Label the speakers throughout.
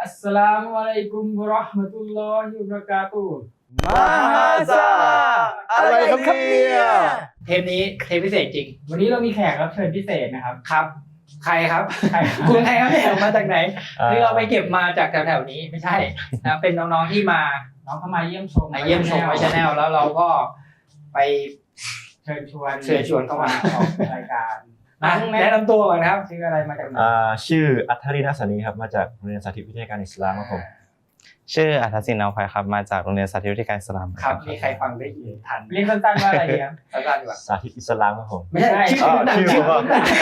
Speaker 1: อัสสลามุอะลัยกุมวะเราะห์มะตุลลอฮิวะบะเราะกาตุฮ์
Speaker 2: มาซาอะไรครับเนี่ย
Speaker 3: เทปนี้เทปพิเศษจริง
Speaker 1: วันนี้เรามีแขกรับเชิญพิเศษนะครับ
Speaker 3: ครับ ใครครับ
Speaker 1: ใคร
Speaker 3: คุณใครครับเนี่ยมาจากไหนนี่เราไปเก็บมาจากแถวๆนี้ไม่ใช่นะเป็นน้องๆที่มา
Speaker 1: น้องเข้ามาเยี่ยมชม
Speaker 3: เยี่ยมชมไวชแนลแล้วเราก็ไป
Speaker 1: เชิญชวน
Speaker 3: เข้ามา
Speaker 1: ออกรายการ
Speaker 3: แนะนำตัวก่อนครับ
Speaker 1: ชื่ออะไรมาจากไหน
Speaker 2: ชื่ออัธรินาสนีครับมาจากโรงเรียนสาธิตวิทยาการอิสลามครับผม
Speaker 4: ชื่ออัธศินเอาภัยครับมาจากโรงเรียนสาธิตวิทยาการอิสลาม
Speaker 3: ครับมีใครฟังได้ยินทัน
Speaker 1: เรียกสั้นๆว่าอะไรดีครับ
Speaker 3: สั้นๆดีกว่า
Speaker 2: สาธิตอิสลามครับผม
Speaker 3: ไม่ใช่ชื่อ
Speaker 2: ชื่อผม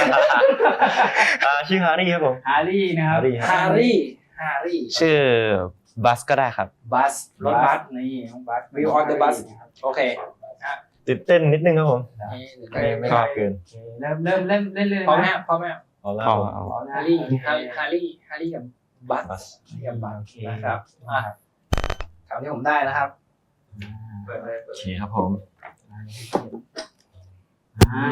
Speaker 2: ชื่อฮารี่ครับผม
Speaker 1: ฮารี่นะครับ
Speaker 3: ฮารี่
Speaker 4: ชื่อบัสก็ได้ครับ
Speaker 3: บัสรถบัส
Speaker 1: นี่น้องบัส
Speaker 3: We on the bus โอเค
Speaker 2: ตื่นเต้นนิดนึงครับผม
Speaker 3: นี่
Speaker 2: ไม่มากเกิน
Speaker 1: โอเคเริ่มเล่นเลย
Speaker 3: พร้อมไหม
Speaker 1: นะ
Speaker 3: พร้อมไหม
Speaker 2: เอาละ
Speaker 4: อ๋อ
Speaker 2: ผม
Speaker 3: ฮารี่กับบัส
Speaker 2: บัส
Speaker 3: กับบัส
Speaker 1: โอเค
Speaker 3: นะครับคำที่ผมได้นะครับเปิดเลย
Speaker 2: โอเคครับผม
Speaker 1: อ่า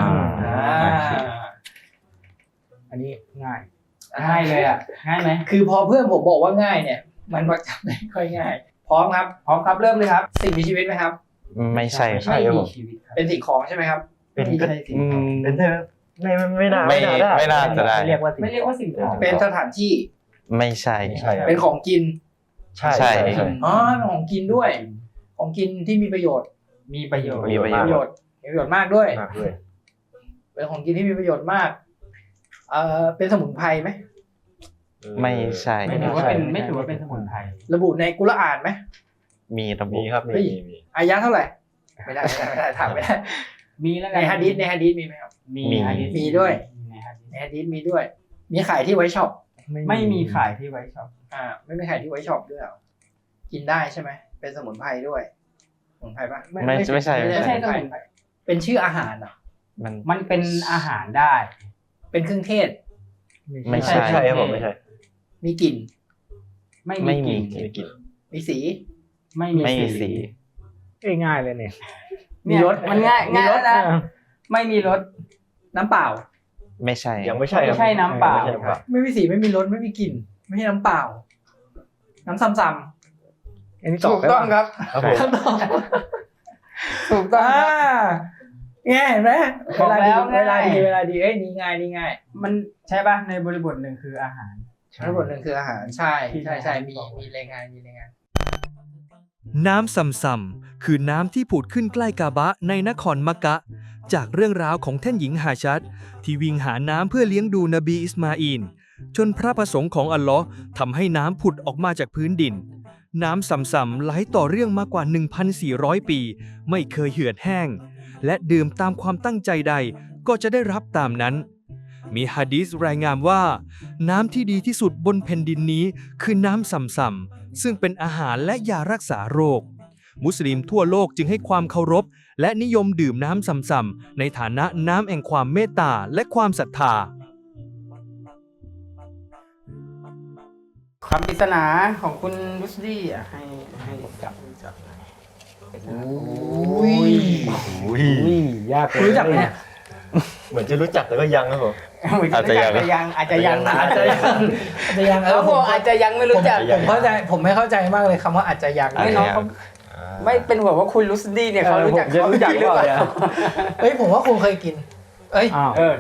Speaker 3: อันนี้
Speaker 1: ง่ายง่ายเลยอ่ะง่ายไหม
Speaker 3: คือพอเพื่อนผมบอกว่าง่ายเนี่ย มันมักจะไม่ค่อยง่าย พร้อมครับ
Speaker 1: พร้อมครับเริ่มเลยครับ
Speaker 3: สิ่งมีชีวิตไหมครับ
Speaker 4: ไม่ใช่ครับ
Speaker 1: ไม่มีชีวิตครับ
Speaker 3: เป็นสิ่งของใช่ไหมครับ
Speaker 2: เป็น
Speaker 1: ไม่ใช่สิ่งของ
Speaker 2: เป็นเธอไม่น่า
Speaker 4: ไม่
Speaker 2: ได้
Speaker 4: ไม่น่าจะได้
Speaker 1: ไม่เรียกว่าสิ่งของ
Speaker 3: เป็นสถานที่
Speaker 4: ไม่ใช่
Speaker 2: ไม่ใช่ครับ
Speaker 3: เป็นของกิน
Speaker 2: ใช่
Speaker 4: ใช่
Speaker 3: อ๋อเป็นของกินด้วย ของกินที่มีประโยชน์
Speaker 1: มีประโยชน์
Speaker 4: มีประโย
Speaker 3: ประโยชน์มีประโยชน์มากด้วย
Speaker 2: มากด้วย
Speaker 3: เป็นของกินที่มีประโยชน์มาก เป็นสมุนไพรไหม
Speaker 4: ไม่ใช่
Speaker 1: ไม่ถือว่าเป็นสมุนไพร
Speaker 3: ระบุในกุรอานไหม
Speaker 4: มีระบุ
Speaker 2: มีครับ
Speaker 3: เฮ้ย
Speaker 2: มี
Speaker 3: อายะห์เท่าไหร่ ไม่ได้ถามไม่ได้
Speaker 1: มีแล้ว
Speaker 3: ในฮะดีษมีไหมครับ
Speaker 1: มีฮะดีษ
Speaker 3: มีด้วย
Speaker 1: ในฮะดีษ
Speaker 3: ในฮะดีษมีด้วย มีขายที่ไว้ช็อป
Speaker 1: ไม่มีขายที่ไว้ช็อป
Speaker 3: ไม่มีขายที่ไว้ช็อปด้วยเหรอกินได้ใช่ไหม เป็นสมุนไพรด้วย สมุนไพรปะ
Speaker 4: ไม่ใช่
Speaker 1: ไม่ใช่
Speaker 3: ไม่
Speaker 1: ส
Speaker 3: ใช่
Speaker 1: มุนไพร
Speaker 3: เป็นชื่ออาหารเหรอ
Speaker 4: มัน
Speaker 1: มันเป็นอาหารได้
Speaker 3: เป็นเครื่องเทศ
Speaker 4: ไม่ใช่
Speaker 2: ใช่ครับผมไม่ใช่
Speaker 3: มีกลิ่น
Speaker 1: ไม่
Speaker 4: ไม่
Speaker 1: มี
Speaker 4: มี
Speaker 1: กลิ่น
Speaker 2: ไม่กิน
Speaker 3: มีสี
Speaker 1: ไม่
Speaker 4: ไม่มี
Speaker 1: มี
Speaker 4: สี
Speaker 5: ง่ายเลยเนี่ย
Speaker 3: มีรส
Speaker 1: มันง่าย
Speaker 3: มีรส
Speaker 1: นะไม่มีรส
Speaker 3: น้ำเปล่า
Speaker 4: ไม่ใช่
Speaker 2: ยังไม่ใช่ครับ
Speaker 1: ไม่ใช่น้ำเปล่า
Speaker 2: ไม่ใช่น้ำเปล่า
Speaker 3: ไม่มีสีไม่มีรสไม่มีกลิ่น ไม่ใช่น้ำเปล่า น้ำซ้ำ
Speaker 5: อันนี้
Speaker 3: ๆ
Speaker 5: ตอบ
Speaker 3: ถูกต้องครับ
Speaker 2: ครับผม
Speaker 3: คำตอบถูกต้องง่ายเห็นไหม
Speaker 1: บอกแล้ว
Speaker 3: เวลาดี
Speaker 1: ง่าย
Speaker 3: เวลาดีเอ้ยนี่ง่ายนี่ง่าย
Speaker 1: มันใช่ป่ะในบริบทหนึ่งคืออาหาร
Speaker 3: ทั้งหมดหนึ่งคืออาหารใช่ใช่มีรายงาน
Speaker 6: น้ำซัมซัมคือน้ำที่ผุดขึ้นใกล้กาบะในนครมักกะ จากเรื่องราวของท่านหญิงฮาชัดที่วิ่งหาน้ำเพื่อเลี้ยงดูนบีอิสมาอีลจนพระประสงค์ของอัลลอฮ์ทำให้น้ำผุดออกมาจากพื้นดิน น้ำซัมซัมไหลต่อเรื่องมากว่า 1,400 ปี ไม่เคยเหือดแห้ง และดื่มตามความตั้งใจใดก็จะได้รับตามนั้น มีหะดีษรายงานว่า น้ำที่ดีที่สุดบนแผ่นดินนี้คือน้ำซัมซัมซึ่งเป็นอาหารและยารักษาโรค มุสลิมทั่วโลกจึงให้ความเคารพและนิยมดื่มน้ำซัมซัมในฐานะน้ำแห่งความเมตตาและความศรัทธา
Speaker 1: คำปริศนาของคุณรุสดี้อ่ะให้จับ
Speaker 3: อุ้ย
Speaker 2: อุ้ย
Speaker 5: ยากเลย
Speaker 3: รู้จักไหมเนี่ย
Speaker 2: เหมือนจะรู้จักแต่ก็ยังครับผม
Speaker 4: อาจจะยัง
Speaker 1: อาจจะยัง
Speaker 3: อาจจะยัง
Speaker 1: แล้วผมอาจจะยังไม่รู้จัก
Speaker 3: ผมเข้าใจผมไม่เข้าใจมากเลยคำว่าอาจจะยัง
Speaker 1: ไม่น้องเขาไม่เป็นห่วงว่าคุณรุสดี้เนี่ยเขารู้จัก
Speaker 5: จะรู้จัก
Speaker 1: หรือ
Speaker 5: เป
Speaker 1: เป
Speaker 5: ล่า
Speaker 1: ล่า
Speaker 5: เนี่ย
Speaker 3: เฮ้ยผมว่าคงเคยกิน เอ้ย
Speaker 5: อ้าว
Speaker 1: เออ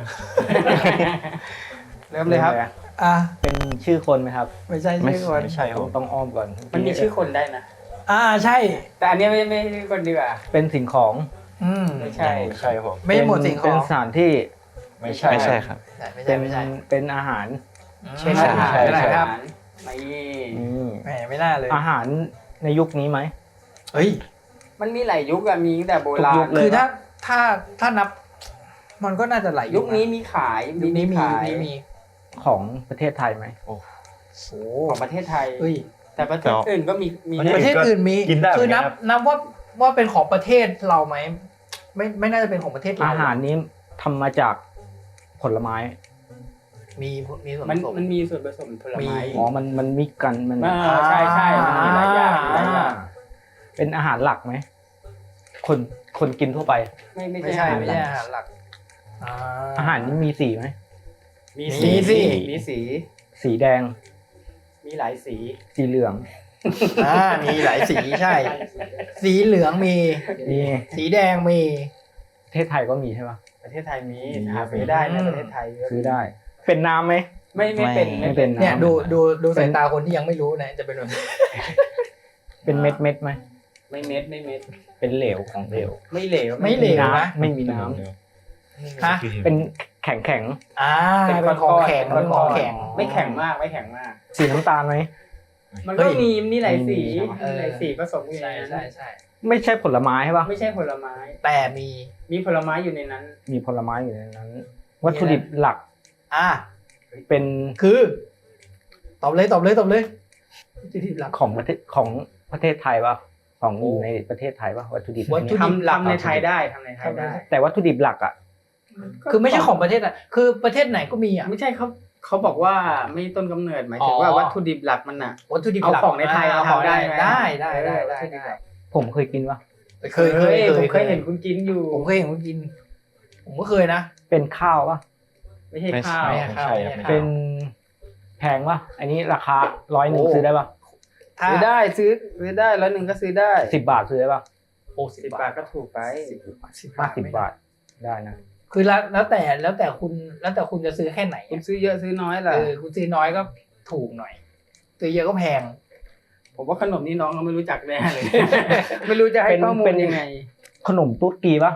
Speaker 1: เริ่มเลยครับ
Speaker 3: อ่ะ
Speaker 5: เป็นชื่อคนไหมครับ
Speaker 3: ไม่ใช่ชื่อคน
Speaker 2: ไม่ใช่ครับผม
Speaker 5: ต้องอ้อมก่อน
Speaker 1: มันมีชื่อคนได้นะ
Speaker 3: ใช่
Speaker 1: แต่อันนี้ไม่ใช่คนดีกว่า
Speaker 5: เป็นสิ่งของ
Speaker 1: ไม่ใช่
Speaker 2: ไม่ใช่ครับผม
Speaker 3: ไม่ใช่หมวดสิ่งข
Speaker 5: เป็
Speaker 3: อน ง
Speaker 5: สถานที่
Speaker 2: ไม่ใช่
Speaker 4: ไม่ใช่ครับ
Speaker 3: ไม่
Speaker 5: เป็
Speaker 3: ใช่
Speaker 5: น
Speaker 3: ไม่ใช่
Speaker 5: เป็นอาหาร
Speaker 1: เช่น
Speaker 4: ใช่
Speaker 1: อาหาร
Speaker 2: ใช่
Speaker 1: อะไร
Speaker 2: ใช่
Speaker 1: ครับไม่
Speaker 3: แหมไม่น่าเลย
Speaker 5: อาหารในยุคนี้ไหม
Speaker 3: เฮ้ย
Speaker 1: มันมีหลายยุคอะมีตั้งแต่โบรา
Speaker 5: ทุกยุ
Speaker 1: ณ
Speaker 5: คเลย
Speaker 3: คือถ้านับ มันก็น่าจะหลาย
Speaker 1: ยุคนี้มีขาย
Speaker 3: ยุคนี้มี
Speaker 1: ขาย
Speaker 3: มี
Speaker 5: ของประเทศไทยไหม
Speaker 3: โอ้
Speaker 1: ของประเทศไทย
Speaker 3: เฮ้ย
Speaker 1: แต่ประเทศอื่นก็มี
Speaker 3: ประเทศอื่นมี
Speaker 2: กินได้
Speaker 3: คือนับ
Speaker 2: เหมือนกันครับ
Speaker 3: นับว่าเป็นของประเทศเราไหมไม่น่าจะเป็นของประเทศเรา
Speaker 5: อาหารนี้ทำมาจากผลไม้
Speaker 3: มีส่วนผ
Speaker 1: มัน
Speaker 3: สม
Speaker 1: มันมีส่วนผสมผลไม้
Speaker 3: มี
Speaker 5: อ๋อมันมิกกันมัน
Speaker 1: ใช่มันมีหลายอย่างมีหลายอย่าง
Speaker 5: เป็นอาหารหลักไหมคนกินทั่วไป
Speaker 1: ไม่
Speaker 3: ไม่
Speaker 1: ใช่
Speaker 3: ใช่ไม่ใช่อาหารหลัก
Speaker 5: อาหารนี้มีสีไหม
Speaker 1: มี
Speaker 3: มีสิ
Speaker 1: มีสี
Speaker 5: สีแดง
Speaker 1: มีหลายสี
Speaker 5: สีเหลือง
Speaker 3: มีหลายสีใช่ สีเหลืองมี
Speaker 5: มี
Speaker 3: สีแดงมี
Speaker 5: ประเทศไทยก็มีใช่ปะ
Speaker 1: ประเทศไทยมีหาซื้อได้ในประเทศไทย
Speaker 5: ซื้อได้ เป็นน้ำไหม
Speaker 1: ไม่เป็น
Speaker 5: ไม่เป็น
Speaker 3: เนี่ยดูสายตาคนที่ยังไม่รู้นะจะเป็นแบบนี้
Speaker 5: เป็นเม็ดไหม
Speaker 1: ไม่เม็ด
Speaker 5: เป็นเหลวของเหลว
Speaker 1: ไม่เหลว
Speaker 3: ไม่เหลวนะ
Speaker 5: ไม่มีน้
Speaker 3: ฮะ
Speaker 5: ำเป็นแข็ง
Speaker 3: เป็นของแข็งเป็นของแข็ง
Speaker 1: ไม่แข็งมาก
Speaker 5: สีน้ำตาลไหม
Speaker 1: มันก็มีนี่หลายสี
Speaker 3: เออ
Speaker 1: หลายสีผสมอยู่ใน
Speaker 3: ใช่
Speaker 1: นั้น
Speaker 3: ใช่
Speaker 5: ไม่ใช่ผลไม้ใช่ปะ
Speaker 1: ไม่ใช่ผลไม้
Speaker 3: แต่มี
Speaker 1: มีผลไม้อยู่ในนั้น
Speaker 5: มีผลไม้อยู่ในนั้น วัตถุดิบหลัก
Speaker 3: อ่ะ
Speaker 5: เป็น
Speaker 3: คือตอบเลยที่หลัก
Speaker 5: ของประเทศไทยปะของอยู่ในประเทศไทยปะวัตถุดิบ
Speaker 3: วัตถุดิบ
Speaker 1: ทำในไทยได้ทำในไทยได้
Speaker 5: แต่วัตถุดิบหลักอ่ะ
Speaker 3: คือไม่ใช่ของประเทศอ่ะคือประเทศไหนก็มีอ่ะ
Speaker 1: ไม่ใช่เขาบอกว่าไม่ต้นกำเนิดหมายถึงว่าวัตถุดิบหลักมันอ่ะ
Speaker 3: วัตถุดิบ
Speaker 1: เอา
Speaker 3: หลัก
Speaker 1: ของในไทย
Speaker 3: เอา
Speaker 1: เอาได้ไหม
Speaker 3: ได้
Speaker 1: วัตถุดิบหลัก
Speaker 5: ผมเคยกินปะ
Speaker 3: เคย
Speaker 1: ผมเคยเห็นคุณกินอยู่
Speaker 3: ผมเคยเห็นคุณกิน ผมก็เคยนะ
Speaker 5: เป็นข้าวปะ
Speaker 1: ไม่ใช่ข้าว
Speaker 3: ไม่ใช่
Speaker 5: เป็นแพงปะอันนี้ราคา100ซื้อได้ปะ
Speaker 1: ซื้อได้ซื้อได้100ก็ซื้อได้
Speaker 5: 10 บาทซื้อได้ปะ
Speaker 3: โอ้
Speaker 1: 10 บาทก็ถูกไป
Speaker 5: 50 บาทได้นะ
Speaker 3: คือแล้วแต่คุณจะซื้อแค่ไหน
Speaker 1: คุณซื้อเยอะซื้อน้อยล่ะ
Speaker 3: คุณซื้อน้อยก็ถูกหน่อยซื้อเยอะก็แพง
Speaker 1: ผมว่าขนมนี้น้องเขาไม่รู้จักแน่เลย ไม่รู้จะให้ข้อมูลยังไง
Speaker 5: ขนมตุ๊ดกีปะ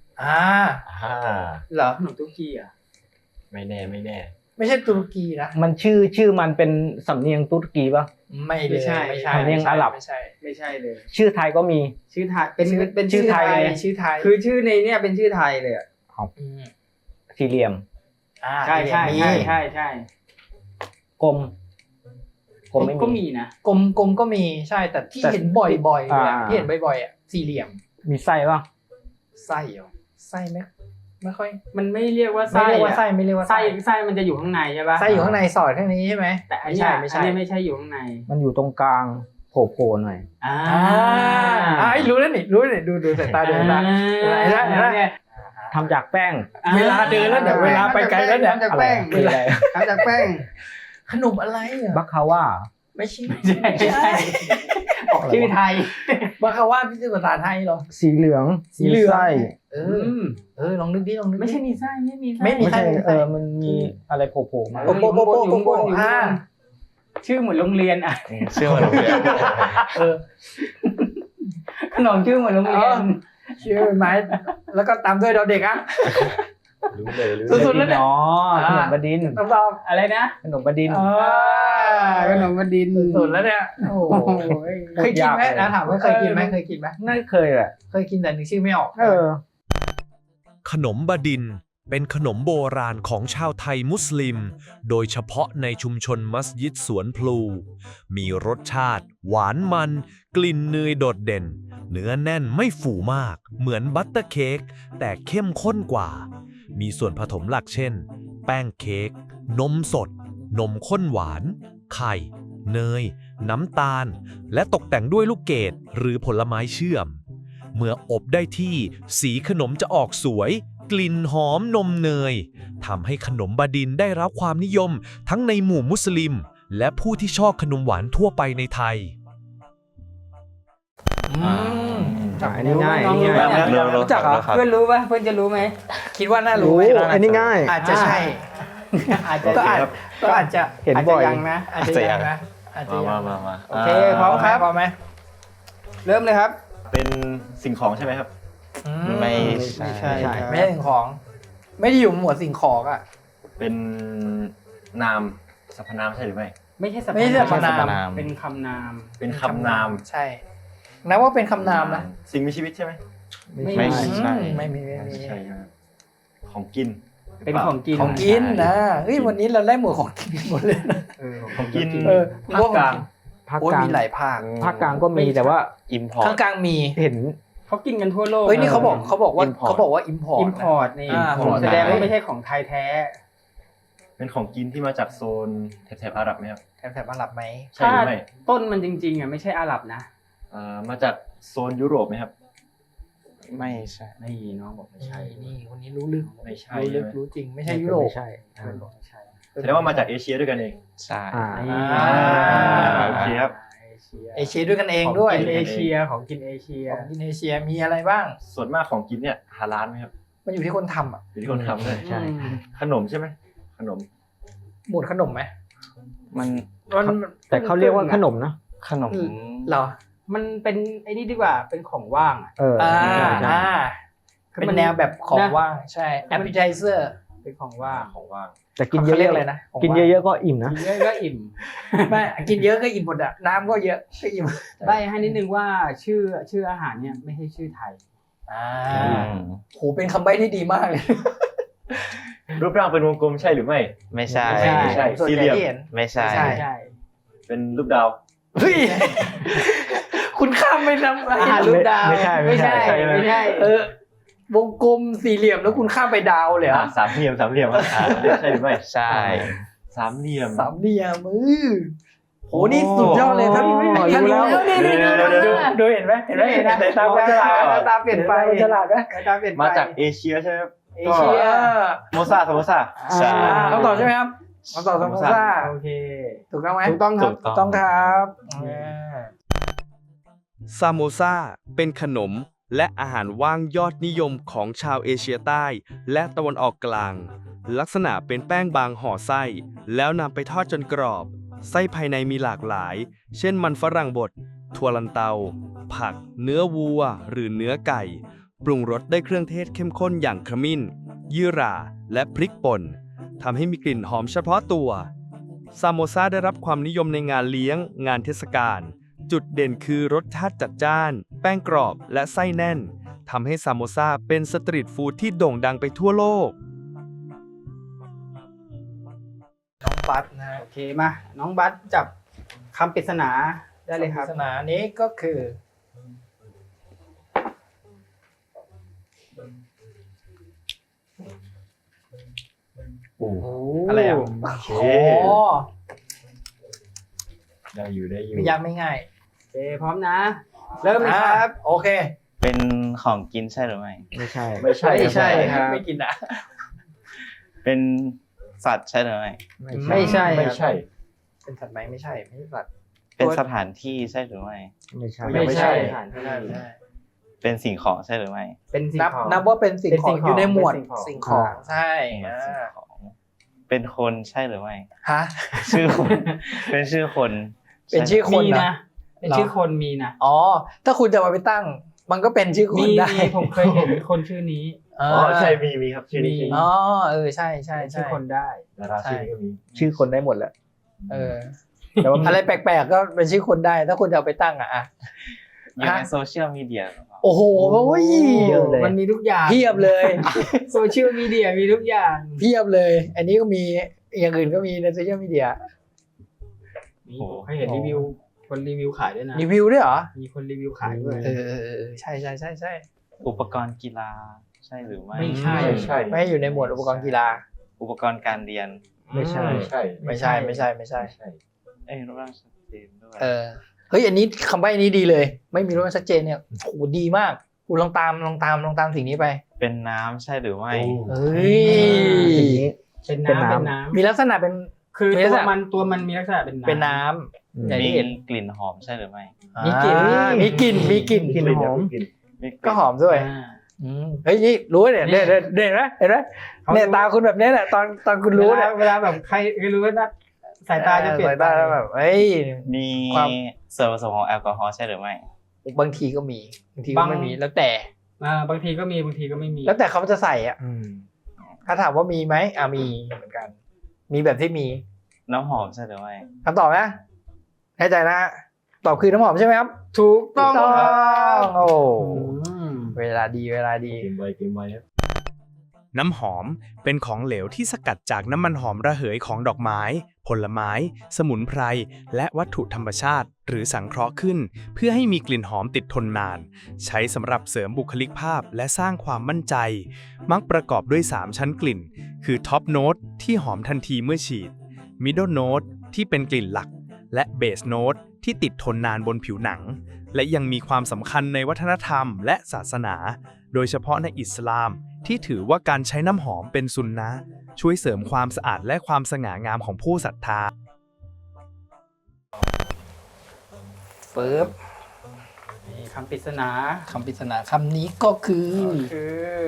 Speaker 1: เหรอขนมตุ๊กกี้อ่ะ
Speaker 2: ไม่แน่
Speaker 3: ไม่ใช่ตุรกีนะ
Speaker 5: มันชื่อมันเป็นสำเนียงตุ๊ดกีปะ
Speaker 3: ไม่เลย
Speaker 1: ไม่ใช่
Speaker 5: สำเนียงอาหรับ
Speaker 3: ไม่ใช่
Speaker 1: ไม่ใช่เลย
Speaker 5: ชื่อไทยก็มี
Speaker 1: ชื่อไทยเป็น
Speaker 5: ชื่อไทย
Speaker 3: ชื่อไทย
Speaker 1: คือชื่อในเนี่ยเป็นชื่อไทยเลยอ่ะ
Speaker 3: ม
Speaker 5: สี่เหลี่ยม
Speaker 1: ใช่
Speaker 5: กลมไม่
Speaker 1: ก็
Speaker 5: มี
Speaker 1: มีนะ
Speaker 3: กลมก็มีใช่แต่ที่
Speaker 5: แต่
Speaker 3: เห็นบ่อยๆเลยอะ
Speaker 5: อ่า
Speaker 3: ที่เห็นบ่อยๆอ่ะสี่เหลี่ยม
Speaker 5: มีไส้ปะ
Speaker 3: ไส้เหรอไส้ไหมไม่ค่อย
Speaker 1: มันไม่เรียกว่า
Speaker 3: ไม่
Speaker 1: ไส้
Speaker 3: เรียกว่าไส้ไม่เรียกว่า
Speaker 1: ไส้มันจะอยู่ข้างในใช่ปะ
Speaker 3: ไส้อยู่ข้างในสอดข้างนี้ใช่ไหม
Speaker 1: แต่อัน
Speaker 3: ไม่
Speaker 1: เนี้
Speaker 3: ใช่
Speaker 1: ย
Speaker 3: ไม่
Speaker 1: อัน
Speaker 3: ใช่
Speaker 1: เนี้ยไม่ใช่อยู่ข้างใน
Speaker 5: มันอยู่ตรงกลางโผล่หน่อย
Speaker 3: รู้แล้วนี่ดูสายตาเดินมาเห็นไหม
Speaker 5: ทำจากแป้ง
Speaker 3: เวลาเดินแล้วเดี๋ยวเวลาไปไกลแล้วเนี่ย
Speaker 1: ทำจากแป้ง
Speaker 5: คืออะไร
Speaker 1: ทำจากแป้ง
Speaker 3: ขนมอะไรอ่ะ
Speaker 5: บัคคาว่า
Speaker 3: ไม่ใช่
Speaker 1: ไม่ใช่ออกชื่อไทย
Speaker 3: บาคาว่าที่ชื่อภาษาไทยเหรอ
Speaker 5: สีเหลือง
Speaker 3: สีเหลือง
Speaker 5: มีไส้
Speaker 3: ลองนึกดิลองนึกดิ
Speaker 1: ไม่ใช่มีไส้ไม่มีไส้
Speaker 3: ไม่มี
Speaker 5: ไม่ใช่
Speaker 3: ไส้
Speaker 5: มันมีอะไรโผล่มา
Speaker 3: โป๊ะโป๊ะโป๊ะโป๊ะโป๊ะอ่า
Speaker 1: ชื่อเหมือนโรงเรียนอ่ะ
Speaker 4: เชื่อว่าโรงเรียน
Speaker 1: ขนมชื่อเหมือนโรงเรียน
Speaker 3: ชื่อไหมแล้วก็ตามด้วยดอเด็กอ่ะ
Speaker 2: รู้เลย
Speaker 3: สุดๆแล้วเนี่ย
Speaker 5: อ๋อขนมบดินทร์
Speaker 3: ต้องตอบ
Speaker 1: อะไรนะ
Speaker 5: ขนมบดินทร์
Speaker 1: ขนมบดินทร์
Speaker 3: สุดแล้วเนี่ยโอ้โหเคยกินไหมนะถามว่าเคยกินไหม
Speaker 5: ไม่เคยแหละ
Speaker 3: เคยกินแต่นึกชื่อไม่ออก
Speaker 6: ขนมบดินทร์เป็นขนมโบราณของชาวไทยมุสลิม โดยเฉพาะในชุมชนมัสยิดสวนพลู มีรสชาติ หวานมัน กลิ่นเนยโดดเด่น เนื้อแน่นไม่ฝูมาก เหมือนบัตเตอร์เค้กแต่เข้มข้นกว่า มีส่วนผสมหลักเช่น แป้งเค้ก นมสด นมข้นหวาน ไข่ เนย น้ำตาล และตกแต่งด้วยลูกเกดหรือผลไม้เชื่อม เมื่ออบได้ที่สีขนมจะออกสวย กลิ่นหอมนมเนยทำให้ขนมบดินทร์ได้รับความนิยมทั้งในหมู่มุสลิม และผู้ที่ชอบขนมหวานทั่วไปในไทย
Speaker 5: อันนี้ง่าย
Speaker 1: น้องรู้ไหมเนี่ย
Speaker 3: รู้จักเหรอ
Speaker 4: ครับ
Speaker 1: เพื่อนรู้ป่ะเพื่อนจะรู้ไหม
Speaker 3: คิดว่าน่ารู้ไหม
Speaker 5: อันนี้ง่าย
Speaker 3: อาจจะใช่
Speaker 1: อาจจะ
Speaker 3: ก็อาจจะ
Speaker 5: เห็นบ่อย
Speaker 1: าจจะยังนะ
Speaker 3: อาจจะยังนะอาจจะยัง
Speaker 2: มา
Speaker 1: โอเคพร้อมครับ
Speaker 3: พร้อมไหม
Speaker 1: เริ่มเลยครับ
Speaker 2: เป็นสิ่งของใช่ไหมครับ
Speaker 4: ไม่
Speaker 1: ไม่
Speaker 4: ใช่
Speaker 1: ใช่
Speaker 3: ไม่ใช่สิ่งของ ไม่ได้อยู่หมวดสิ่งของอ่ะ
Speaker 2: เป็นนามสรรพนามใช่หรือไม่
Speaker 1: ไม่ใช่สรรพ
Speaker 3: ไม่ใช่สรรพนาม
Speaker 4: นาม
Speaker 1: เป็นคำนาม
Speaker 2: เป็นคำนาม
Speaker 3: ใช่นับว่าเป็นคำนามนะ
Speaker 2: สิ่งมีชีวิตใช่ไหม
Speaker 4: ไม่ใช่
Speaker 3: ไม่มี
Speaker 2: ใช่ครับของกิน
Speaker 1: เป็นของกิน
Speaker 3: ของกินนะเฮ้ยวันนี้เราได้หมวดของกินหมดเลยนะ
Speaker 2: ของกิน
Speaker 1: ภาคกลาง
Speaker 5: ภาค
Speaker 3: โอ้ย
Speaker 5: กลาง
Speaker 3: มีหลายภาค
Speaker 5: ภาคกลางก็มีแต่ว่า
Speaker 4: อิมพอร์
Speaker 3: ข้า
Speaker 4: ต
Speaker 3: งกลางมี
Speaker 5: เห็น
Speaker 1: เขากินกันทั่วโลก
Speaker 3: เฮ้ยนี่เขาบอกว่า
Speaker 4: import
Speaker 3: เขาบอกว่า import
Speaker 1: อิมพอร์ตนี่
Speaker 3: import
Speaker 1: แสดงว่าไม่ใช่ของไทยแท้
Speaker 2: เป็นของกินที่มาจากโซนแถบอาหรับไหมครับ
Speaker 3: แถบอาหรับไหม
Speaker 2: ใช่หรือไม่
Speaker 1: ต้นมันจริงๆอ่ะไม่ใช่อาหรับนะ
Speaker 2: มาจากโซนยุโรปไหมครับ
Speaker 4: ไม่ใช่
Speaker 1: นี่น้องบอกไม่ใช่
Speaker 3: นี่คนนี้รู้ลึก
Speaker 2: ไม่ใช่
Speaker 3: รู้ลึก
Speaker 2: ใช่ไหม
Speaker 3: รู้จริงไม่ใช่ยุโรป
Speaker 5: ไม่ใช่
Speaker 1: ไม่ใช่
Speaker 2: แสดงว่ามาจากเอเชียด้วยกันเอง
Speaker 4: ใช่
Speaker 5: อ่า
Speaker 2: โอเคครับ
Speaker 3: เอเชียด้วยกันเองด้วย
Speaker 1: ของกินเอเชียของกินเอเชีย
Speaker 3: ของกินเอเชียมีอะไรบ้าง
Speaker 2: ส่วนมากของกินเนี่ยฮาลาลไหมครับ
Speaker 3: มันอยู่ที่คนทำอ่ะ
Speaker 2: อยู่ที่คนทำเลย
Speaker 5: ใช่
Speaker 2: ขนมใช่ไหมขนม
Speaker 3: หมวดขนมไหม
Speaker 4: มัน
Speaker 5: แต่เขาเรียกว่าขนมนะ
Speaker 4: ขนม
Speaker 3: เหรอ
Speaker 1: มันเป็นไอ้นี่ดีกว่าเป็นของว่างอ่ะ
Speaker 3: อ่า
Speaker 5: ใช่
Speaker 1: คือ
Speaker 3: เป็น
Speaker 1: มัน
Speaker 3: แนวแบบของ
Speaker 1: นะ
Speaker 3: ว่างใช่ appetizer
Speaker 1: เป็นของว่าง
Speaker 2: ของว่าง
Speaker 5: แต่กินเย
Speaker 3: เขาเรียก
Speaker 5: อะ
Speaker 3: อะไรนะ
Speaker 5: ๆกินเยอะๆก็อิ่มนะ
Speaker 1: กินเยอะก็อิ่ม
Speaker 3: ไม่กินเยอะก็อิ่มหมดอะน้ำก็เยอะก็อิ่ม
Speaker 1: ใบให้นิดนึงว่าชื่ออาหารเนี่ยไม่ใช่ชื่อไทย
Speaker 3: โหเป็นคำใบ้ที่ดีมากเลย
Speaker 2: รูปร่างเป็นวงกลมใช่หรือไม่
Speaker 4: ไม่ใช่
Speaker 2: ไม่ใช่
Speaker 3: ส่วน
Speaker 2: สี่
Speaker 3: ให
Speaker 2: เหลี่
Speaker 3: ญ่
Speaker 2: ยม
Speaker 3: ที่เห็น
Speaker 4: ไม่ใช่
Speaker 3: ใช่
Speaker 1: ใช่
Speaker 2: เป็นรูปดาว
Speaker 3: เฮ้ยคุณข้ามไปนำ
Speaker 1: อาหารรูปดาว
Speaker 5: ไม่ใช่
Speaker 1: ไม่ใช่
Speaker 2: ไม่ใช่
Speaker 3: วงกลมสี่เหลี่ยมแล้วคุณข้ามไปดาวเลยเหรอ
Speaker 2: สามเหลี่ยมใช่หรือไม่
Speaker 4: ใช่
Speaker 2: สามเหลี่ยม
Speaker 3: สามเหลี่ยมโหนี่สุดยอดเลยถ้า
Speaker 5: อ๋อ
Speaker 3: ถ้า
Speaker 5: รู้
Speaker 3: รู้
Speaker 5: แล้ว
Speaker 3: แล้วนี่ดูเห็นไหมเห็นไหมในตาฉลาด
Speaker 1: ตาเปลี่ยนไป
Speaker 3: ฉลาดไหม
Speaker 1: ตาเปลี่ยนไป
Speaker 2: มาจากเอเชียใช่ไหมครับ
Speaker 1: เอเชีย
Speaker 2: โมซา
Speaker 4: ใช่
Speaker 3: คำตอบใช่ไหมครับคำตอบสมมติว่า
Speaker 1: โอเค
Speaker 3: ถูกต้องไหม
Speaker 1: ถูกต้องครับ
Speaker 3: ถูกต้องครับ
Speaker 6: ซามโมซาเป็นขนมและอาหารว่างยอดนิยมของชาวเอเชียใต้และตะวันออกกลาง ลักษณะเป็นแป้งบางห่อไส้ แล้วนำไปทอดจนกรอบ ไส้ภายในมีหลากหลาย เช่นมันฝรั่งบดถั่วลันเตา ผัก เนื้อวัว หรือเนื้อไก่ ปรุงรสด้วยเครื่องเทศเข้มข้นอย่างขมิ้น ยี่หร่า และพริกป่นทำให้มีกลิ่นหอมเฉพาะตัวซามโมซาได้รับความนิยมในงานเลี้ยง งานเทศกาล จุดเด่นคือรสชาติจัดจ้าน แป้งกรอบและไส้แน่นทำให้ซามโมซาเป็นสตรีทฟู้ดที่โด่งดังไปทั่วโลก
Speaker 3: น้องบัสนะฮะ
Speaker 1: โอเคมาน้องบัสจับคำปริศนาได้เลยครับ
Speaker 3: ปริศนานี้ก็คืออะไรอ่ะ
Speaker 2: โอเค
Speaker 3: โอ้
Speaker 2: ได้อยู่
Speaker 3: ไม่ยากไม่ง่าย
Speaker 1: โอเคพร้อมนะ เริ่มเลยครับ
Speaker 3: โอเค
Speaker 4: เป็นของกินใช่หรือไม่
Speaker 5: ไม่ใช่
Speaker 2: ไม่ใช่
Speaker 1: ไม่ใช่ครับ
Speaker 3: ไม่กินอ่ะ
Speaker 4: เป็นสัตว์ใช่หรือไม่
Speaker 1: ไม่ใช่
Speaker 2: ไม่ใช่
Speaker 3: เป็นสัตว์ไหมไม่ใช่ไม่ใช่สัตว์
Speaker 4: เป็นสถานที่ใช่หรือไม่
Speaker 5: ไม่ใช่
Speaker 1: ไม่ใช่
Speaker 3: ไม่ใช่ไม่ใช่
Speaker 4: เป็นสิ่งของใช่หรือไม่
Speaker 1: เป็นสิ่ง
Speaker 3: นับ
Speaker 1: ของ
Speaker 3: นับว่าเป็นสิ่ง
Speaker 1: เป็น
Speaker 3: ข
Speaker 1: สิ่
Speaker 3: อง
Speaker 1: งของ
Speaker 3: อยู่ในหมวด
Speaker 1: เป็นสิ่
Speaker 3: สิ่ง
Speaker 1: ง
Speaker 3: ข
Speaker 1: ข
Speaker 3: อ
Speaker 1: อง ง
Speaker 3: ใช่
Speaker 4: สิ่งของ เป็นคนใช่หรือไม่
Speaker 3: ฮะ
Speaker 4: ชื่อคน เป็นชื่อคน
Speaker 3: เป็นชื่อคน
Speaker 1: มี
Speaker 3: นะ
Speaker 1: นะเป็นชื่อคนมีนะ
Speaker 3: อ๋อถ้าคุณจะมาไปตั้ง มันก็เป็นชื่อค
Speaker 1: มี
Speaker 3: นได้
Speaker 1: มีผมเคยเห็นคนชื่อนี้
Speaker 2: อ๋อใช่มีครับชื่อนี้
Speaker 1: มี
Speaker 2: ชื่อ
Speaker 3: อ๋
Speaker 2: นี้
Speaker 3: อใช่ใช่
Speaker 1: เป็น
Speaker 3: ใช่
Speaker 1: ชื่อคนได้
Speaker 2: ดาราชื่อนี้ก็มี
Speaker 5: ชื่อคนได้หมดแหละ
Speaker 3: เออ
Speaker 5: แต่ว่า
Speaker 3: อะไรแปลกๆก็เป็นชื่อคนได้ ถ้าคุณจะเอาไปตั้งอ่ะ
Speaker 4: อยู่ในโซเชียลมีเดียหรือเปล่า
Speaker 3: โอ้โห
Speaker 5: เยอะเลย
Speaker 1: มันมีทุกอย่าง
Speaker 3: เพียบเลย
Speaker 1: โซเชียลมีเดียมีทุกอย่าง
Speaker 3: เพียบเลย อันนี้ก็มีอย่างอื่นก็มีในโซเชียลมีเดีย
Speaker 1: มีผมเคยเห็นรีวิว คนรีวิวขายด้วยนะ
Speaker 3: รีวิวด้วยเหรอ
Speaker 1: มีคนรีวิวขายด้วย
Speaker 3: ใช่ใช่ใช่ใช่
Speaker 4: อุปกรณ์กีฬาใช่หรือไม่
Speaker 1: ไม่ใช่
Speaker 2: ไม่ใช่
Speaker 3: ไม่ให้อยู่ในหมวดอุปกรณ์กีฬา
Speaker 4: อุปกรณ์การเรียน
Speaker 5: ไม่ใช่
Speaker 2: ไม่ใช่
Speaker 3: ไม่ใช่ไม่ใช่ไม่ใช่
Speaker 2: ไม่ใช่
Speaker 4: รูปร่างชัดเจนด้วย
Speaker 3: เฮ้ยอันนี้คำใบ้นี้ดีเลย ไม่มีรูปร่างชัดเจนเนี่ยโหดีมากคุณลองตามสิ่งนี้ไป
Speaker 4: เป็นน้ำใช่หรือไม่
Speaker 3: เฮ้ย
Speaker 5: สิ่งนี้
Speaker 1: เป็น
Speaker 5: เป็น
Speaker 1: น้ำ
Speaker 5: น้ำ
Speaker 1: เป็นน้ำ
Speaker 3: มีลักษณะเป็น
Speaker 1: คือ
Speaker 3: มีลักษ
Speaker 1: ตัว
Speaker 3: ณะ
Speaker 1: มันมีลักษณะเป็นน้ำ
Speaker 3: เป็นน้ำอย่าง
Speaker 4: มี
Speaker 3: ที่เห็น
Speaker 4: กลิ่นหอมใช่หรือไม่
Speaker 3: มีกลิ่นมีกลิ่นมีกลิ่น
Speaker 5: กลิ่นหอม
Speaker 4: มีกลิ่น
Speaker 3: ก็หอมด้วย
Speaker 1: อ่า
Speaker 3: เฮ้ยนี่รู้เนี่ยเนี่ยเห็นไหมเห็นไหมเนี่ยตาคุณแบบนี้แหละตอนคุณรู้เนี่ย
Speaker 1: เวลาแบบใครรู้ว่านะสายตาจะเปลี่ยน
Speaker 3: สายตาแล้วแบบเฮ้ย
Speaker 4: มี
Speaker 3: ความ
Speaker 4: ส่วนผสมของแอลกอฮอล์ใช่หรือไม่
Speaker 3: บางทีก็มีบางทีก็ไม่มีแล้วแต่
Speaker 1: บางทีก็มีบางทีก็ไม่มี
Speaker 3: แล้วแต่เขาจะใส่อ่ะ
Speaker 5: อืม
Speaker 3: ถ้าถามว่ามีไหมมีเหมือนกัน มีแบบที่มี
Speaker 4: น้ำหอมใช่หรือไม่
Speaker 3: คำตอบนะแน่ใจนะฮะตอบคือน้ำหอมใช่ไหมครับ
Speaker 1: ถูกต้อง
Speaker 3: ถูก
Speaker 1: ค
Speaker 3: ต้
Speaker 1: รั
Speaker 3: อบ งโอ้
Speaker 1: อืม
Speaker 3: เวลาดีเวลาดี
Speaker 2: เกมไวครับ
Speaker 6: น้ำหอมเป็นของเหลวที่สกัดจากน้ำมันหอมระเหยของดอกไม้ ผลไม้ สมุนไพร และวัตถุธรรมชาติ หรือสังเคราะห์ขึ้น เพื่อให้มีกลิ่นหอมติดทนนาน ใช้สำหรับเสริมบุคลิกภาพและสร้างความมั่นใจ มักประกอบด้วย 3 ชั้นกลิ่น คือท็อปโน้ตที่หอมทันทีเมื่อฉีด มิดเดิลโน้ตที่เป็นกลิ่นหลัก และเบสโน้ตที่ติดทนนานบนผิวหนัง และยังมีความสำคัญในวัฒนธรรมและศาสนา โดยเฉพาะในอิสลามที่ถือว่าการใช้น้ำหอมเป็นซุนนะห์ช่วยเสริมความสะอาดและความสง่างามของผู้ศรัทธา
Speaker 3: เฟิร์บ
Speaker 1: นี่คำปริศนา
Speaker 3: คำปริศนาคำนี้ก็คือ
Speaker 1: คือ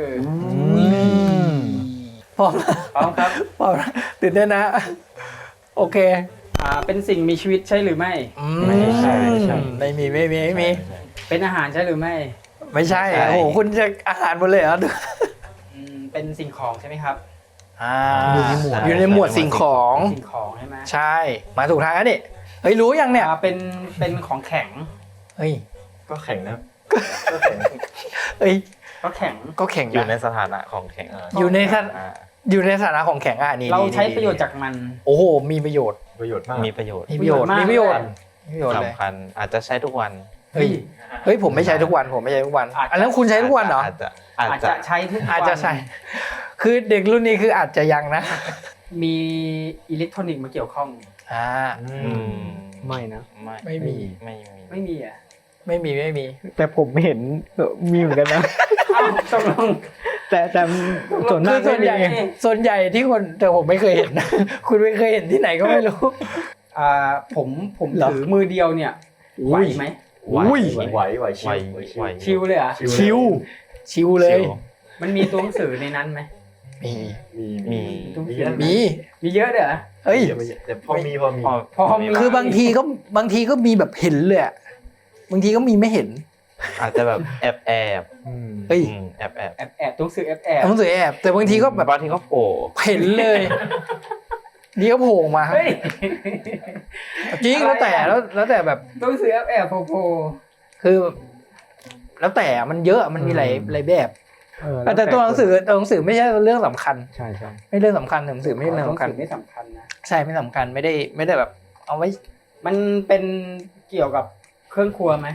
Speaker 3: พร้อม
Speaker 1: พร้อมครับ
Speaker 3: พร้อมตื่นเต้นนะ โอเค
Speaker 1: เป็นสิ่งมีชีวิตใช่หรือไม่
Speaker 2: ไม่ใช่
Speaker 3: ไม่มี
Speaker 1: เป็นอาหารใช่หรือไม่
Speaker 3: ไม่ใช่ โอ้โห คุณจะอาหารหมดเลยเหรอ
Speaker 1: เป็นสิ่งของใช่ไหมครับ
Speaker 3: อยู่ในหมวดสิ่งของ
Speaker 1: สิ่งของใช่ไหม
Speaker 3: ใช่ มาถูกทางแล้วนี่ เฮ้ย รู้ยังเนี่ย
Speaker 1: เป็นของแข็ง
Speaker 3: เฮ้ย
Speaker 2: ก็แข็งนะ
Speaker 3: เฮ้ย
Speaker 1: ก็แข็ง
Speaker 3: ก็แข็ง
Speaker 4: อยู่ใน
Speaker 3: นะ
Speaker 4: สถานะของแข็ง
Speaker 3: อยู่ในสถา
Speaker 4: อ่า
Speaker 3: อยู่ในสถานะของแข็งอ่ะนี่
Speaker 1: เราใช้
Speaker 3: นี่
Speaker 1: ประโยชน์จากมัน
Speaker 3: โอ้โห มีประโยชน์
Speaker 2: ประโยชน์มาก
Speaker 4: มีประโยชน์
Speaker 3: มีประโยชน์
Speaker 1: มี
Speaker 3: มี
Speaker 1: ป
Speaker 3: ประ ระ
Speaker 1: โย
Speaker 3: โย
Speaker 1: ช
Speaker 3: ช
Speaker 1: น์
Speaker 3: น์มีประโยชน์เลย
Speaker 4: สำคัญอาจจะใช้ทุกวัน
Speaker 3: เฮ้ย เฮ้ย ผมไม่ใช้ทุกวัน ผมไม่ใช้ทุกวัน
Speaker 1: อาจจะ
Speaker 3: อันนั้นคุณใช้ทุกวันเหรอ
Speaker 4: อาจ
Speaker 1: อาจ
Speaker 4: จะ
Speaker 1: จะใช้ทุกวัน
Speaker 3: อาจจะใช่ คือเด็กรุ่นนี้คืออาจจะยังนะ
Speaker 1: มีอิเล็กทรอนิกส์มาเกี่ยวข้อง
Speaker 3: อ่า
Speaker 4: อืม
Speaker 5: ไม่นะ
Speaker 3: ไม่มี
Speaker 1: ไม่มีอ่ะ
Speaker 3: ไม่มี
Speaker 5: แต่ผมเห็นมีเหมือนกันนะ
Speaker 1: อ้าวตกลง
Speaker 5: แต่ส่วน
Speaker 3: คื
Speaker 5: มา
Speaker 3: อก ส่วนใหญ่
Speaker 1: ไม่มี
Speaker 3: ส่วนใหญ่ที่คนแต่ผมไม่เคยเห็น คุณไม่เคยเห็นที่ไหนก็ไม่รู้
Speaker 1: ผม
Speaker 3: เหรอ
Speaker 1: ถือมือเดียวเนี่ยไหวไหม
Speaker 3: อุ้ย
Speaker 2: ไหว
Speaker 1: ชิลเลยเหรอ่ะ
Speaker 3: ชิวชิวเลย
Speaker 1: มันมีตัวหนังสือในนั้นไหม
Speaker 3: มี
Speaker 4: มี
Speaker 3: มี
Speaker 1: มีเยอะเด้อ
Speaker 3: เฮ้ย
Speaker 2: แต่พอมี
Speaker 1: พอมี
Speaker 3: คือบางทีก็มีแบบเห็นเลยอะบางทีก็มีไม่เห็น
Speaker 4: อาจจะแบบแอบ
Speaker 3: เฮ้ย
Speaker 4: แอบ
Speaker 1: แอบตัวหนังสือแอบ
Speaker 3: หนังสือแอบ แต่บางทีก็แบบ
Speaker 4: บางทีก็โผล่
Speaker 3: เห็นเลย นี่ก็โผล่มา
Speaker 1: เฮ้ย
Speaker 3: จริงแล้วแต่แล้วแต่แบบ
Speaker 1: ตัวหนังสือแอบโผล่
Speaker 3: คือ แล้วแต่มันเยอะมันมีหลายแบบ
Speaker 5: ล้ว
Speaker 3: แต่ตัวหนังสือไม่ใช่เรื่องสำคัญ
Speaker 5: ใช่
Speaker 3: ไม่เรื่องสำคัญหนังสือไม่ใช่
Speaker 1: ตัว
Speaker 3: เรื่
Speaker 1: ห
Speaker 3: อง
Speaker 1: นัง
Speaker 3: สำคัญ
Speaker 1: สือไม่สำคัญนะ
Speaker 3: ใช่ไม่สำคัญไม่ได้แบบ เอาไว้
Speaker 1: มันเป็นเกี่ยวกับเครื่องครัวไหม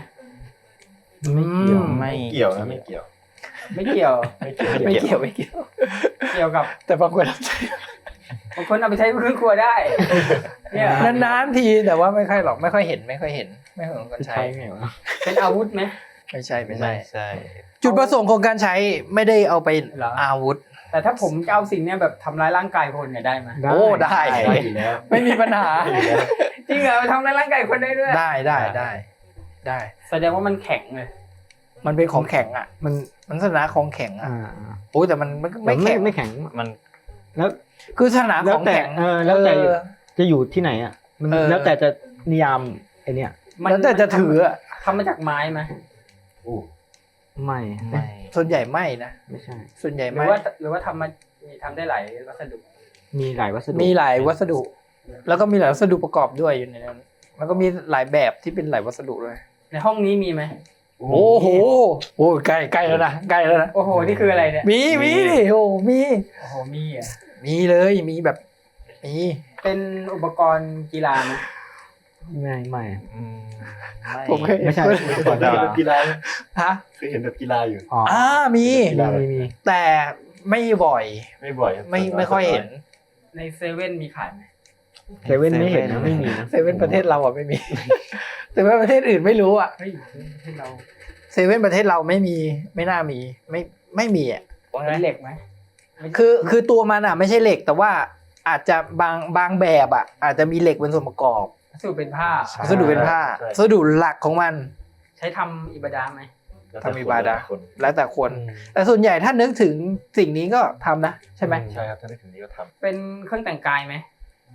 Speaker 4: ไม่
Speaker 2: เกี่ยวนะไม่เกี่ยว
Speaker 1: ไม่เกี่ยว
Speaker 3: ไม่เกี่ยว
Speaker 1: เกี่ยวกับ
Speaker 3: แต่บางคน
Speaker 1: บางคนเอาไปใช้เครื่องครัวได้ เนี่ย
Speaker 3: นานๆทีแต่ว่าไม่ค่อยหรอกไม่ค่อยเห็นไม่ค่อยเห็นคนใช้
Speaker 5: ใช่ไงวะ
Speaker 1: เป็นอาวุธไหม
Speaker 3: ไม่ใช่
Speaker 4: ไม่ใช่
Speaker 3: จุดประสงค์ของการใช้ไม่ได้เอาไป
Speaker 1: เหรอ
Speaker 3: อาวุธ
Speaker 1: แต่ถ้าผมจะเอาสิ่งเนี้ยแบบทำร้ายร่างกายคนเนี่ยได้ไหม
Speaker 3: โอ้ได้
Speaker 2: ได้อยู่แล้ว
Speaker 3: ไม่มีปัญหา
Speaker 1: จริงเหรอทำร้ายร่างกายคนได้ด้วย
Speaker 3: ได้
Speaker 1: แสดงว่ามันแข็งเลย
Speaker 3: มันเป็นของแข็งอ่ะ มันสถานะของแข็งอ่ะ โอ้แต่มันไม่
Speaker 5: ไม่
Speaker 3: แข็ง
Speaker 5: ไม่แข็ง
Speaker 4: มัน
Speaker 5: แล้ว
Speaker 3: คือสถานะของแข็ง
Speaker 5: แล้วแต่จะอยู่ที่ไหนอ่ะมัน แล้วแต่จะนิยามไอเนี้ย
Speaker 3: แล้วแต่จะถืออ่ะ
Speaker 1: ทำมาจากไม้ไหม
Speaker 5: ไม่
Speaker 4: ไม่
Speaker 3: ส่วนใหญ่ไม่นะ
Speaker 5: ไม่ใช่
Speaker 3: ส่วนใหญ่
Speaker 1: หรื
Speaker 3: ไม่
Speaker 1: อว่าทำได้หลายวัสดุ
Speaker 5: มีหลายวัสดุ
Speaker 3: มีหลายวัสดุ แล้วก็มีหลายวัสดุประกอบด้วยอยู่ในนั้นแล้วก็มีหลายแบบที่เป็นหลายวัสดุด้วย
Speaker 1: ในห้องนี้มีไหม
Speaker 3: โอ้โหใกล้แล้วนะใกล้แล้วนะ
Speaker 1: โอ้โหนี่คืออะไรเนี่ย
Speaker 3: มีดิโอ้มี
Speaker 1: โอ้โหมีอ่ะ
Speaker 3: มีเลยมีแบบมี
Speaker 1: เป็นอุปกรณ์กีฬาไหม
Speaker 5: ไม่
Speaker 3: ผมเคย
Speaker 5: ไม่ใช่
Speaker 2: ก่อนแบบกีฬา
Speaker 3: ฮะ
Speaker 2: เคยเห็นแบบกีฬาอยู่
Speaker 5: อ๋อ
Speaker 3: มี
Speaker 5: มี
Speaker 3: แต่ไม่บ่อย
Speaker 2: ไม่บ่อย
Speaker 3: ไม่ค่อยเห็น
Speaker 1: ในเซเว่นมีขายไหม
Speaker 5: เซเว่นไม่เห็นนะไม่มีนะ
Speaker 3: เซเว่นประเทศเราอ่ะไม่มี เซเว่นประเทศอื่นไม่รู้อ่ะ
Speaker 1: เฮ้ยให้เรา
Speaker 3: เซเว่นประเทศเราไม่มีไม่น่ามีไม่มีอ่ะ
Speaker 1: เป็นเหล็กไหม
Speaker 3: คือตัวมันอ่ะไม่ใช่เหล็กแต่ว่าอาจจะบางแบบอ่ะอาจจะมีเหล็กเป็นส่วนประกอบ
Speaker 1: วัสดุเป็นผ้า
Speaker 3: วัสดุเป็นผ้าวัสดุหลักของมัน
Speaker 1: ใช้ทำอิบาดาไหม
Speaker 3: ทำอิบาดะห์ แล้วแต่คน แต่ส่วนใหญ่ถ้านึกถึงสิ่งนี้ก็ทำนะใช่ไหม
Speaker 2: ใช่ครับถ้าได้ถึงนี้ก็ท
Speaker 1: เป็นเครื่องแต่งกายไหม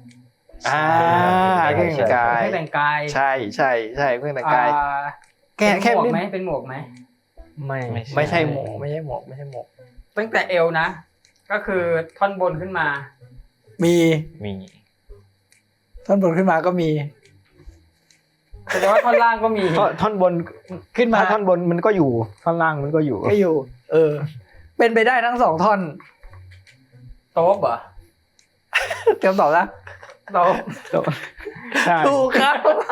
Speaker 3: เครื่องแต่งกาย
Speaker 1: เครื่องแต่งกาย
Speaker 3: ใช่เครื่องแต่งกาย แค่
Speaker 1: เป็นหมวกไหมเป็นหมวกไหม
Speaker 5: ไม่
Speaker 3: ไม่ใช่หมวกไม่ใช่หมวก
Speaker 1: ตั้งแต่เอวนะ ก็คือท่อนบนขึ้นมา
Speaker 3: มี
Speaker 4: มี
Speaker 3: ท่อนบนขึ้นมาก็มี
Speaker 1: แสดงว่าท่อนล่างก็มี
Speaker 5: ท่อนบน
Speaker 3: ขึ้นมา
Speaker 5: ท่อนบนมันก็อยู่ท่อนล่างมันก็อยู่
Speaker 3: ก็อยู่ เป็นไปได้ทั้งสองท่อน
Speaker 1: โต๊ะเหรอ
Speaker 3: เตรียมตอบนะ
Speaker 1: โต๊ะ
Speaker 5: ใช่
Speaker 3: ถูกครับ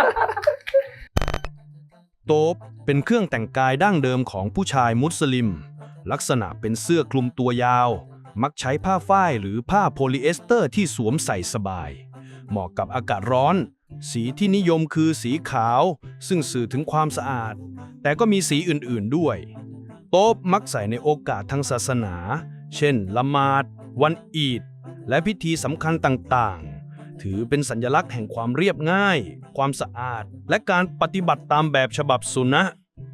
Speaker 6: โต๊บเป็นเครื่องแต่งกายดั้งเดิมของผู้ชายมุสลิม ลักษณะเป็นเสื้อคลุมตัวยาว มักใช้ผ้าฝ้ายหรือผ้าโพลีเอสเตอร์ที่สวมใส่สบาย เหมาะกับอากาศร้อน สีที่นิยมคือสีขาว ซึ่งสื่อถึงความสะอาด แต่ก็มีสีอื่นๆด้วย โต๊บมักใส่ในโอกาสทางศาสนา เช่นละหมาด วันอีด
Speaker 7: และพิธีสำคัญต่างๆ ถือเป็นสัญลักษณ์แห่งความเรียบง่าย ความสะอาด และการปฏิบัติตามแบบฉบับสุนะ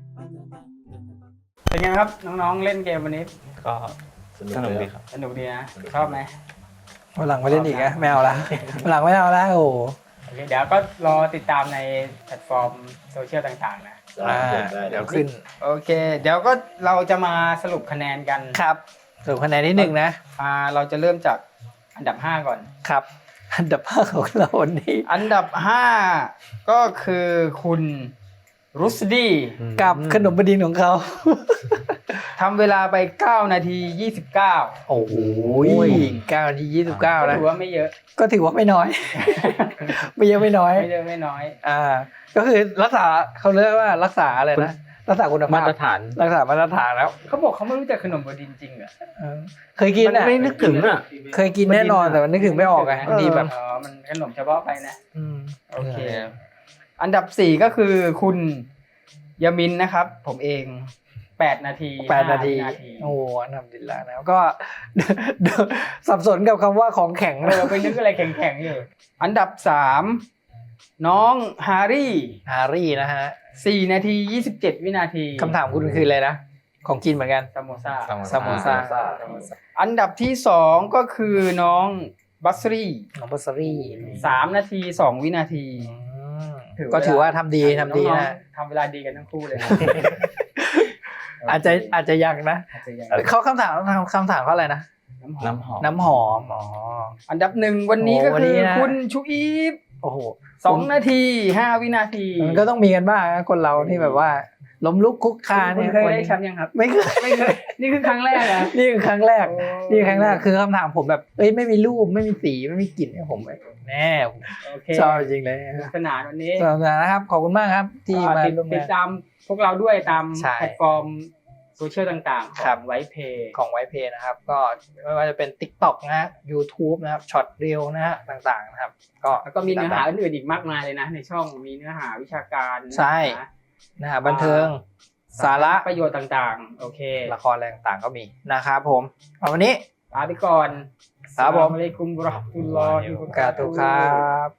Speaker 1: เป็นไงครับน้องๆเล่นเกมวันนี้
Speaker 4: ก็สนุกดีครับ
Speaker 1: สนุกดีนะชอบไหม
Speaker 3: วันหลังไม่เล่นอีกนะไม่เอาละวันหลังไม่เอาละโอ้โห
Speaker 1: โอเคเดี๋ยวก็รอติดตามในแพลตฟอร์มโซเชียลต่างๆนะ
Speaker 3: เดี๋ยวขึ้น
Speaker 1: โอเค เดี๋ยวก็เราจะมาสรุปคะแนนกัน
Speaker 3: ครับสรุปคะแนนนิดหนึ่งนะ
Speaker 1: เราจะเริ่มจากอันดับ 5 ก่อน
Speaker 3: ครับ อันดับห้าของเราวันนี้
Speaker 1: อันดับ 5 ก็คือคุณรุสดี
Speaker 3: กับขนมบดินของเขา
Speaker 1: ทำเวลาไป9 นาที 29
Speaker 3: โอ้โห9 นาที 29
Speaker 1: ก็
Speaker 3: นะ
Speaker 1: ถือว่าไม่เยอะ
Speaker 3: ก็ถือว่าไม่น้อย ไม่เยอะไม่น้อย
Speaker 1: ไม่เยอะไม่น้อย
Speaker 3: ก็คือรักษาเขาเรียกว่ารักษาอะไรนะ รักษาคุณภาพ
Speaker 5: มาตรฐาน
Speaker 3: รักษามาตรฐานแล้ว
Speaker 1: เขาบอกเขาไม่รู้จักขนมบดินจริงเหรอ
Speaker 3: เคยกิน
Speaker 5: มัน
Speaker 3: อ่ะ
Speaker 5: ไม่นึกถึงอ่ะ
Speaker 3: เคยกินแน่นอนแต่มันนึกถึงไม่ออกไงบางทีแบบ
Speaker 1: มันขนมเฉพาะไปนะ
Speaker 3: ม
Speaker 1: โอเค อันดับ 4 ก็คือคุณยามินนะครับ ผมเอง8 นาที
Speaker 3: 8 นาที
Speaker 1: 5
Speaker 3: โอ้อันดับดินละนะก็ สับสนกับคำว่าของแข็ง
Speaker 1: ไปนึกอะไรแข็งๆอยู่ อันดับ 3 น้องฮารี่
Speaker 3: ฮารี่นะฮะ
Speaker 1: 4 นาที 27 วินาที
Speaker 3: คำถามคุณคืออะไรนะ ของกินเหมือนกัน
Speaker 1: ซามโมซา
Speaker 3: ซามโมซา
Speaker 1: อันดับที่ 2 ก็คือน้องบัสรี่
Speaker 3: ของบัสรี่
Speaker 1: 3 นาที 2 วินาที
Speaker 3: ก็ถือว่าทำดีทำดี
Speaker 1: น้อง
Speaker 3: นะ
Speaker 1: ๆทำเวลาดีกันทั้งคู่เลยนะ
Speaker 3: อาจจะยังนะ
Speaker 1: อาจจะยัง
Speaker 3: เขาคำถามเขาอะไรนะ
Speaker 4: น้ำหอม
Speaker 3: น้ำหอมอ๋อ
Speaker 1: อันดับ 1 วันนี้ก็
Speaker 3: โอ้วัน
Speaker 1: คื
Speaker 3: นี้
Speaker 1: อ
Speaker 3: นะ
Speaker 1: คุณชูอีฟ
Speaker 3: โอ้โห
Speaker 1: 2 นาที 5 วินาที
Speaker 3: มันก็ต้องมีกันบ้างนะคนเราที่แบบว่าล้มลุกคุกคาน
Speaker 1: คุณ
Speaker 3: เนี่ย
Speaker 1: เคยได้แชมป์ยังครับ
Speaker 3: ไม่เคย
Speaker 1: ไม่เคย นี่คือครั้งแรกนะ
Speaker 3: นี่คือครั้งแรก
Speaker 1: โอ้
Speaker 3: นี่คือครั้งแรกคือคำถามผมแบบไม่มีรูปไม่มีสีไม่มีกลิ่นเนี่ยผมแบบแน่
Speaker 1: โอเค
Speaker 3: ชอบจริงเลย
Speaker 1: สนุกสนานวันนี้
Speaker 3: สำหรับนะครับขอบคุณมากครับที่มาร่วม
Speaker 1: ติด
Speaker 3: งาน
Speaker 1: ตามพวกเราด้วยตาม
Speaker 3: ใช่
Speaker 1: แพลตฟอร์มโซเชียลต่างๆ ข
Speaker 3: ครั
Speaker 1: อบ งไวเพย์
Speaker 3: ของไวเพย์นะครับ ก็ไม่ว่าจะเป็น TikTok นะฮะ YouTube นะครับช็อตเรียวนะฮะต่างๆนะครับ
Speaker 1: แล้วก็มีเนื้อหาอื่นๆอีกมากมายเลยนะ ในช่องมีเนื้อหาวิชาการ
Speaker 3: ใช่
Speaker 1: นะ
Speaker 3: นะฮะบันเทิงสาระ
Speaker 1: ประโยชน์ต่างๆ โอเค
Speaker 3: ละครอะไรต่างๆก็มีนะครับผมเอาวันนี้
Speaker 1: ลาไปก่อน
Speaker 3: ครับผม
Speaker 1: อัสสลามุอะลัยกุมวะเราะห์มะตุลลอฮิวะบะ
Speaker 3: กา
Speaker 1: เราะ
Speaker 3: ตุ
Speaker 1: ตุฮ์
Speaker 3: ครับ